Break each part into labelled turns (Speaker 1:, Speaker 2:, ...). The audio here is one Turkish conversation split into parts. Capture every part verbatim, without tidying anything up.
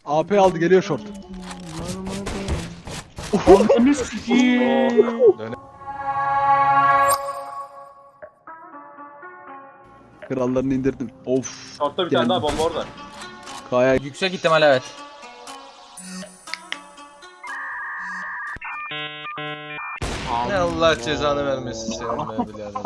Speaker 1: A P aldı, geliyor short.
Speaker 2: Ananı sikiyim.
Speaker 1: Krallarını indirdim. Of.
Speaker 3: Short'ta bir
Speaker 1: Geldim.
Speaker 3: tane daha bomba orada.
Speaker 1: Kaya
Speaker 4: Yüksek ihtimal evet.
Speaker 5: Ne Allah cezanı vermesin senin be birader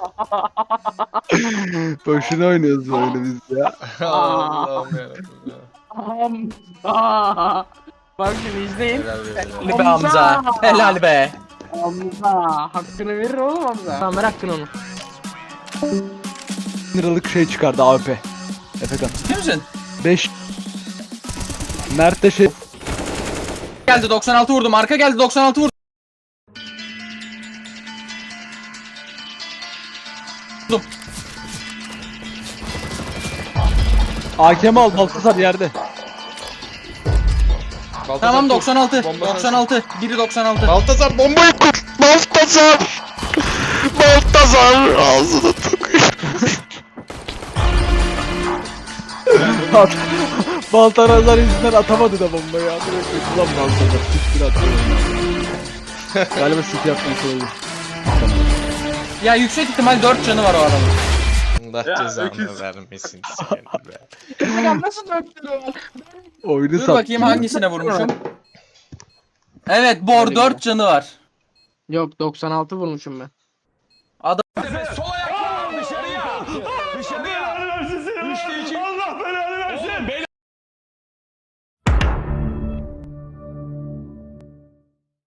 Speaker 5: be.
Speaker 1: boşuna oynuyoruz böyle biz ya.
Speaker 5: Allah'ım yarabbim ya.
Speaker 2: Hamza. Bak şimdi izleyin.
Speaker 5: Helal be helal.
Speaker 4: Helal be Hamza. Helal be.
Speaker 2: Hamza. Hakkını verir oğlum Hamza. Tamam ver hakkını onu.
Speaker 1: Liralık şey çıkardı A P. Efekan.
Speaker 4: Ciddi misin?
Speaker 1: beş. Mert de şey.
Speaker 4: Geldi doksan altı vurdum. Arka geldi doksan altı vurdum.
Speaker 1: A K M al, Baltasar yerde.
Speaker 5: Baltazar
Speaker 4: Tamam
Speaker 5: dur.
Speaker 4: doksan altı.
Speaker 5: Bomba
Speaker 4: doksan altı. Biri doksan altı.
Speaker 5: Baltazar bombayı kur. Baltazar. Baltazar ağzını tıkıyor.
Speaker 1: Baltarazlar yüzünden atamadı da bombayı ya. Direkt ulan Baltazar. Siktir atıyor. Galiba city yapmayı söyledi.
Speaker 4: Ya yüksek ihtimal dört canı var o adamın.
Speaker 5: Allah
Speaker 3: Ya,
Speaker 5: cezanı
Speaker 3: öküz.
Speaker 5: vermesin seni be.
Speaker 2: Ya nasıl dört lira var?
Speaker 1: Oyunu
Speaker 4: Dur
Speaker 1: sattı.
Speaker 4: bakayım hangisine vurmuşum. Evet Bor dört canı var.
Speaker 2: Yok doksan altı vurmuşum ben.
Speaker 4: Adam
Speaker 6: Sol ayakla dışarıya. Dışarıya. Üçte iki.